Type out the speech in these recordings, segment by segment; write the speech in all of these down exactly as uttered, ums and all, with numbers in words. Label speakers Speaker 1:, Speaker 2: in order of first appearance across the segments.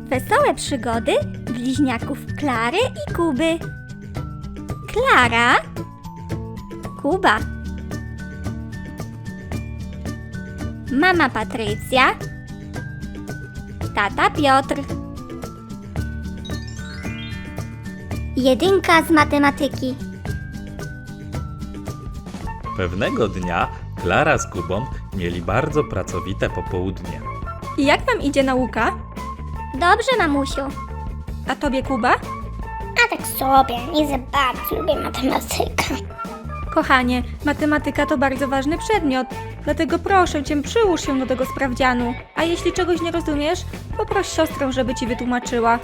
Speaker 1: Wesołe przygody bliźniaków Klary i Kuby. Klara, Kuba, mama Patrycja, tata Piotr. Jedynka z matematyki.
Speaker 2: Pewnego dnia Klara z Kubą mieli bardzo pracowite popołudnie.
Speaker 3: I jak wam idzie nauka?
Speaker 1: Dobrze, mamusiu.
Speaker 3: A tobie, Kuba?
Speaker 4: A tak sobie, nie za bardzo lubię matematykę.
Speaker 3: Kochanie, matematyka to bardzo ważny przedmiot, dlatego proszę cię, przyłóż się do tego sprawdzianu. A jeśli czegoś nie rozumiesz, poproś siostrę, żeby ci wytłumaczyła.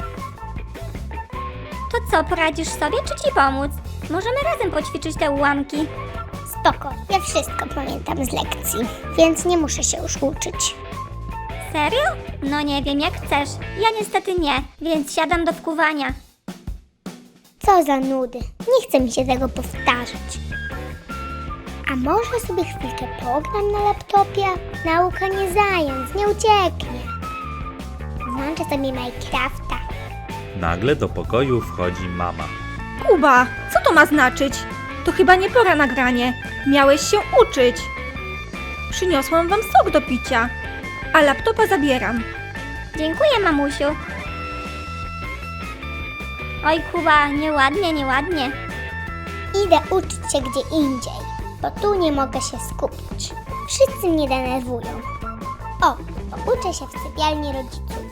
Speaker 1: To co, poradzisz sobie, czy ci pomóc? Możemy razem poćwiczyć te ułamki.
Speaker 4: Spoko, ja wszystko pamiętam z lekcji, więc nie muszę się już uczyć.
Speaker 1: Serio? No nie wiem, jak chcesz. Ja niestety nie, więc siadam do wkuwania.
Speaker 4: Co za nudy, nie chce mi się tego powtarzać. A może sobie chwilkę pogram na laptopie? Nauka nie zając, nie ucieknie. Włączę sobie Minecrafta.
Speaker 2: Nagle do pokoju wchodzi mama.
Speaker 3: Kuba, co to ma znaczyć? To chyba nie pora na granie. Miałeś się uczyć. Przyniosłam wam sok do picia, a laptopa zabieram.
Speaker 1: Dziękuję, mamusiu. Oj, Kuba, nieładnie, nieładnie.
Speaker 4: Idę uczyć się gdzie indziej, bo tu nie mogę się skupić. Wszyscy mnie denerwują. O, uczę się w sypialni rodziców.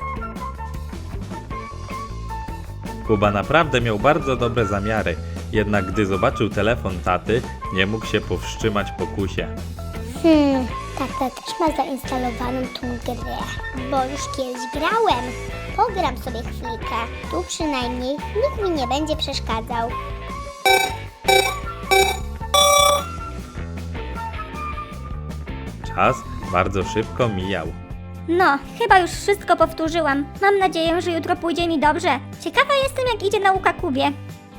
Speaker 2: Kuba naprawdę miał bardzo dobre zamiary, jednak gdy zobaczył telefon taty, nie mógł się powstrzymać pokusie.
Speaker 4: Hmm, tata też ma zainstalowaną tą grę, bo już kiedyś grałem. Pogram sobie chwilkę, tu przynajmniej nikt mi nie będzie przeszkadzał.
Speaker 2: Czas bardzo szybko mijał.
Speaker 1: No, chyba już wszystko powtórzyłam. Mam nadzieję, że jutro pójdzie mi dobrze. Ciekawa jestem, jak idzie nauka Kubie.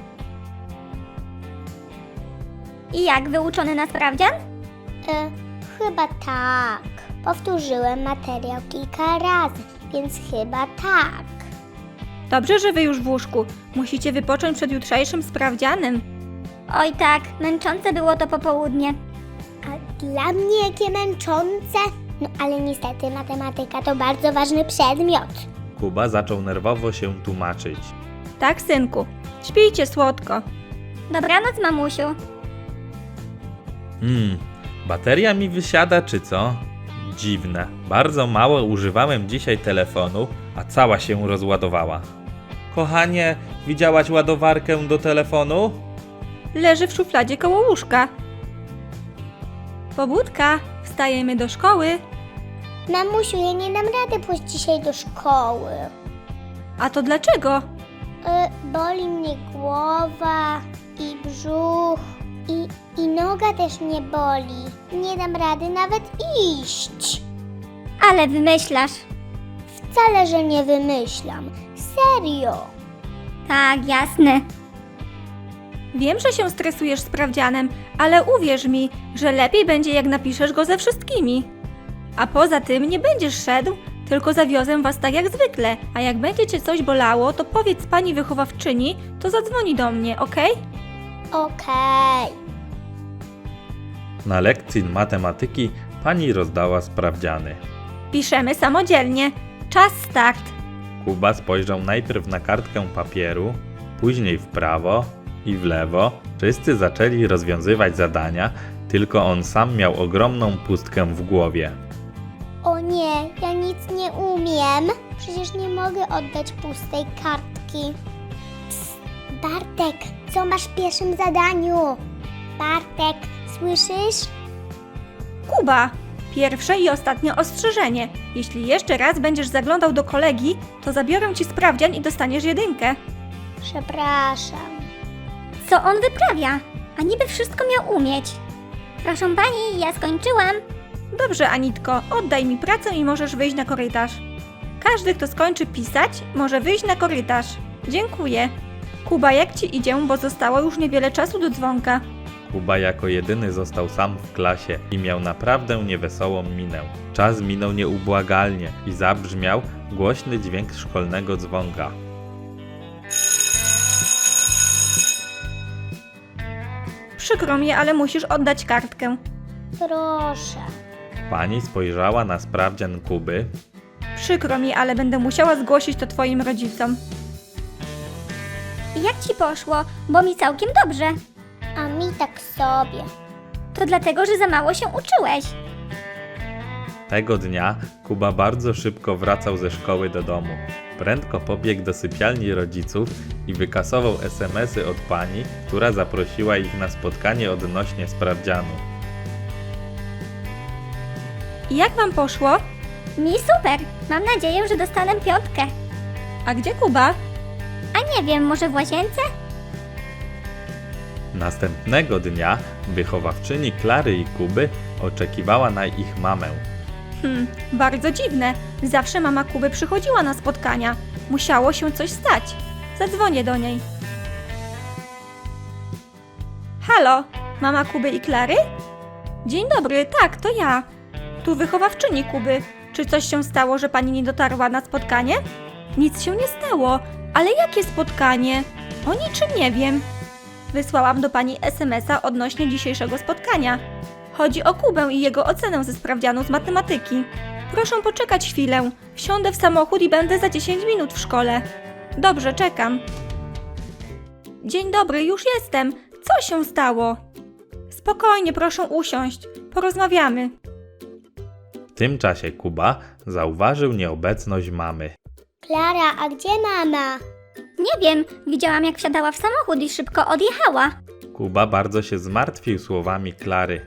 Speaker 1: I jak, wyuczony na sprawdzian?
Speaker 4: E, chyba tak. Powtórzyłem materiał kilka razy, więc chyba tak.
Speaker 3: Dobrze, że wy już w łóżku. Musicie wypocząć przed jutrzejszym sprawdzianem.
Speaker 1: Oj tak, męczące było to popołudnie.
Speaker 4: A dla mnie jakie męczące. No ale niestety matematyka to bardzo ważny przedmiot.
Speaker 2: Kuba zaczął nerwowo się tłumaczyć.
Speaker 3: Tak, synku. Śpijcie słodko.
Speaker 1: Dobranoc, mamusiu.
Speaker 2: Hmm, bateria mi wysiada czy co? Dziwne. Bardzo mało używałem dzisiaj telefonu, a cała się rozładowała. Kochanie, widziałaś ładowarkę do telefonu?
Speaker 3: Leży w szufladzie koło łóżka. Pobudka, wstajemy do szkoły.
Speaker 4: Mamusiu, ja nie dam rady pójść dzisiaj do szkoły.
Speaker 3: A to dlaczego?
Speaker 4: Y, boli mnie głowa i brzuch i, i noga też mnie boli. Nie dam rady nawet iść.
Speaker 1: Ale wymyślasz.
Speaker 4: Wcale, że nie wymyślam. Serio.
Speaker 1: Tak, jasne.
Speaker 3: Wiem, że się stresujesz sprawdzianem, ale uwierz mi, że lepiej będzie, jak napiszesz go ze wszystkimi. A poza tym nie będziesz szedł, tylko zawiozę was tak jak zwykle, a jak będzie cię coś bolało, to powiedz pani wychowawczyni, to zadzwoni do mnie, okej?
Speaker 4: Okej.
Speaker 2: Na lekcji matematyki pani rozdała sprawdziany.
Speaker 3: Piszemy samodzielnie. Czas start.
Speaker 2: Kuba spojrzał najpierw na kartkę papieru, później w prawo i w lewo. Wszyscy zaczęli rozwiązywać zadania, tylko on sam miał ogromną pustkę w głowie.
Speaker 4: O nie, ja nic nie umiem. Przecież nie mogę oddać pustej kartki. Psst, Bartek, co masz w pierwszym zadaniu? Bartek, słyszysz?
Speaker 3: Kuba, pierwsze i ostatnie ostrzeżenie. Jeśli jeszcze raz będziesz zaglądał do kolegi, to zabiorę ci sprawdzian i dostaniesz jedynkę.
Speaker 4: Przepraszam.
Speaker 1: Co on wyprawia? A niby wszystko miał umieć. Proszę pani, ja skończyłam.
Speaker 3: Dobrze, Anitko, oddaj mi pracę i możesz wyjść na korytarz. Każdy, kto skończy pisać, może wyjść na korytarz. Dziękuję. Kuba, jak ci idzie, bo zostało już niewiele czasu do dzwonka.
Speaker 2: Kuba jako jedyny został sam w klasie i miał naprawdę niewesołą minę. Czas minął nieubłagalnie i zabrzmiał głośny dźwięk szkolnego dzwonka.
Speaker 3: Przykro mi, ale musisz oddać kartkę.
Speaker 4: Proszę.
Speaker 2: Pani spojrzała na sprawdzian Kuby.
Speaker 3: Przykro mi, ale będę musiała zgłosić to twoim rodzicom.
Speaker 1: Jak ci poszło? Bo mi całkiem dobrze.
Speaker 4: A mi tak sobie.
Speaker 1: To dlatego, że za mało się uczyłeś.
Speaker 2: Tego dnia Kuba bardzo szybko wracał ze szkoły do domu. Prędko pobiegł do sypialni rodziców i wykasował es em esy od pani, która zaprosiła ich na spotkanie odnośnie sprawdzianu.
Speaker 3: I jak wam poszło?
Speaker 1: Mi super. Mam nadzieję, że dostanę piątkę.
Speaker 3: A gdzie Kuba?
Speaker 1: A nie wiem, może w łazience?
Speaker 2: Następnego dnia wychowawczyni Klary i Kuby oczekiwała na ich mamę.
Speaker 3: Hmm, bardzo dziwne. Zawsze mama Kuby przychodziła na spotkania. Musiało się coś stać. Zadzwonię do niej. Halo, mama Kuby i Klary? Dzień dobry, tak, to ja. Tu wychowawczyni Kuby. Czy coś się stało, że pani nie dotarła na spotkanie? Nic się nie stało. Ale jakie spotkanie? O niczym nie wiem. Wysłałam do pani es em esa odnośnie dzisiejszego spotkania. Chodzi o Kubę i jego ocenę ze sprawdzianu z matematyki. Proszę poczekać chwilę. Wsiądę w samochód i będę za dziesięć minut w szkole. Dobrze, czekam. Dzień dobry, już jestem. Co się stało? Spokojnie, proszę usiąść. Porozmawiamy.
Speaker 2: W tym czasie Kuba zauważył nieobecność mamy.
Speaker 4: Klara, a gdzie mama?
Speaker 1: Nie wiem. Widziałam, jak wsiadała w samochód i szybko odjechała.
Speaker 2: Kuba bardzo się zmartwił słowami Klary.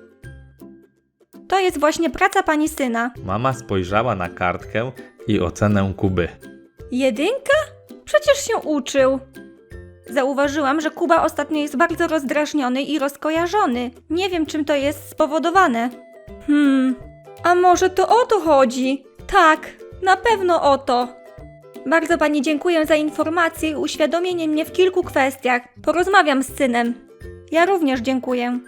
Speaker 3: To jest właśnie praca pani syna.
Speaker 2: Mama spojrzała na kartkę i ocenę Kuby.
Speaker 3: Jedynka? Przecież się uczył. Zauważyłam, że Kuba ostatnio jest bardzo rozdrażniony i rozkojarzony. Nie wiem, czym to jest spowodowane. Hmm, a może to o to chodzi? Tak, na pewno o to. Bardzo pani dziękuję za informację i uświadomienie mnie w kilku kwestiach. Porozmawiam z synem. Ja również dziękuję.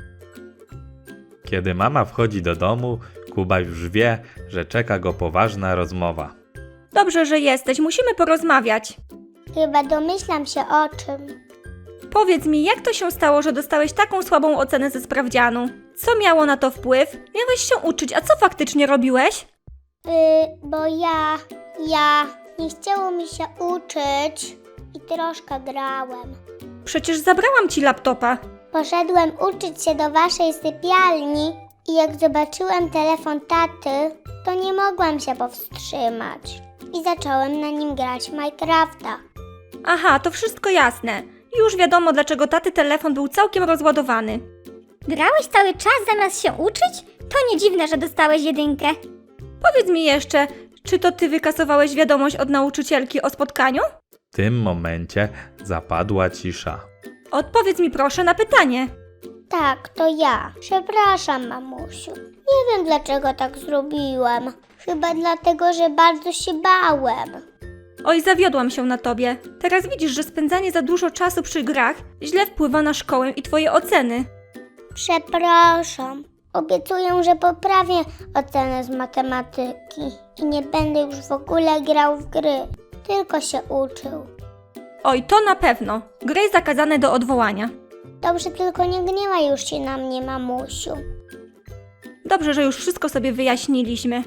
Speaker 2: Kiedy mama wchodzi do domu, Kuba już wie, że czeka go poważna rozmowa.
Speaker 3: Dobrze, że jesteś. Musimy porozmawiać.
Speaker 4: Chyba domyślam się o czym.
Speaker 3: Powiedz mi, jak to się stało, że dostałeś taką słabą ocenę ze sprawdzianu? Co miało na to wpływ? Miałeś się uczyć, a co faktycznie robiłeś?
Speaker 4: Yy, bo ja, ja nie chciało mi się uczyć i troszkę grałem.
Speaker 3: Przecież zabrałam ci laptopa.
Speaker 4: Poszedłem uczyć się do waszej sypialni i jak zobaczyłem telefon taty, to nie mogłem się powstrzymać. I zacząłem na nim grać w Minecrafta.
Speaker 3: Aha, to wszystko jasne. Już wiadomo, dlaczego taty telefon był całkiem rozładowany.
Speaker 1: Grałeś cały czas zamiast się uczyć? To nie dziwne, że dostałeś jedynkę.
Speaker 3: Powiedz mi jeszcze, czy to ty wykasowałeś wiadomość od nauczycielki o spotkaniu?
Speaker 2: W tym momencie zapadła cisza.
Speaker 3: Odpowiedz mi proszę na pytanie.
Speaker 4: Tak, to ja. Przepraszam, mamusiu. Nie wiem, dlaczego tak zrobiłem. Chyba dlatego, że bardzo się bałem.
Speaker 3: Oj, zawiodłam się na tobie. Teraz widzisz, że spędzanie za dużo czasu przy grach źle wpływa na szkołę i twoje oceny.
Speaker 4: Przepraszam. Obiecuję, że poprawię ocenę z matematyki i nie będę już w ogóle grał w gry, tylko się uczył.
Speaker 3: Oj, to na pewno. Gry zakazane do odwołania.
Speaker 4: Dobrze, tylko nie gniewaj już się na mnie, mamusiu.
Speaker 3: Dobrze, że już wszystko sobie wyjaśniliśmy.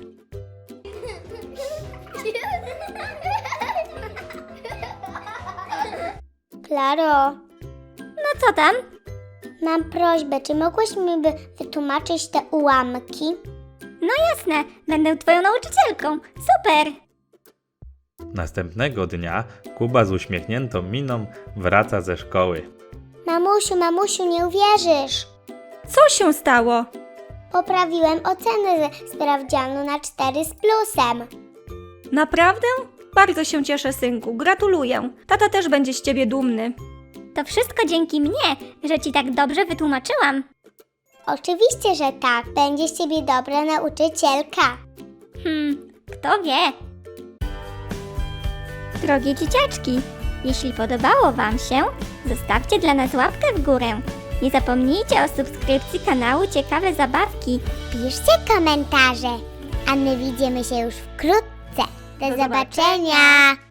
Speaker 4: Klaro,
Speaker 1: No co tam?
Speaker 4: mam prośbę, czy mogłaś mi by wytłumaczyć te ułamki?
Speaker 1: No jasne, będę twoją nauczycielką. Super!
Speaker 2: Następnego dnia Kuba z uśmiechniętą miną wraca ze szkoły.
Speaker 4: Mamusiu, mamusiu, nie uwierzysz.
Speaker 3: Co się stało?
Speaker 4: Poprawiłem ocenę ze sprawdzianu na cztery z plusem.
Speaker 3: Naprawdę? Bardzo się cieszę, synku. Gratuluję. Tata też będzie z ciebie dumny.
Speaker 1: To wszystko dzięki mnie, że ci tak dobrze wytłumaczyłam.
Speaker 4: Oczywiście, że tak. Będzie z ciebie dobra nauczycielka.
Speaker 1: Hmm, kto wie? Drogie dzieciaczki, jeśli podobało wam się, zostawcie dla nas łapkę w górę. Nie zapomnijcie o subskrypcji kanału Ciekawe Zabawki.
Speaker 4: Piszcie komentarze, a my widzimy się już wkrótce. Do zobaczenia!